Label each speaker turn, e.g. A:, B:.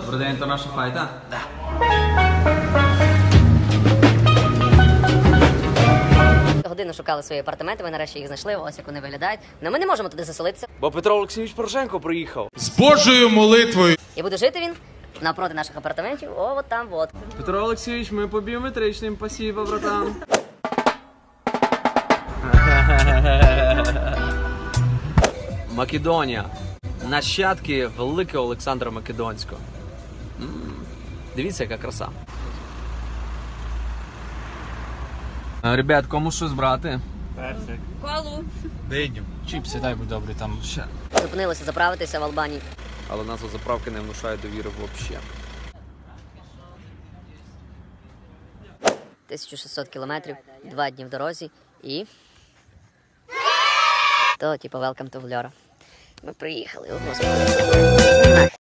A: Добрий день, то наша файта?
B: Да.
C: Годину шукали свої апартаменти, ми нарешті їх знайшли, ось як вони виглядають. Но ми не можемо туди заселитися.
B: Бо Петро Олексійович Порошенко приїхав.
D: З Божою молитвою.
C: І буде жити він напроти наших апартаментів, о, от там, от.
A: Петро Олексійович, ми по біометричним, спасибо, братан.
B: Македонія. Нащадки великого Олександра Македонського. Дивіться, яка краса.
A: Ребят, кому щось брати?
C: Колу.
D: Диню. Чіпси, дай будь добрий там.
A: Ще.
C: Зупинилися заправитися в Албанії.
B: Але назва заправки не внушає довіри взагалі.
C: 1600 кілометрів, 2 дні в дорозі і... То, типу, welcome to Vlora. Ми приїхали, о, господи.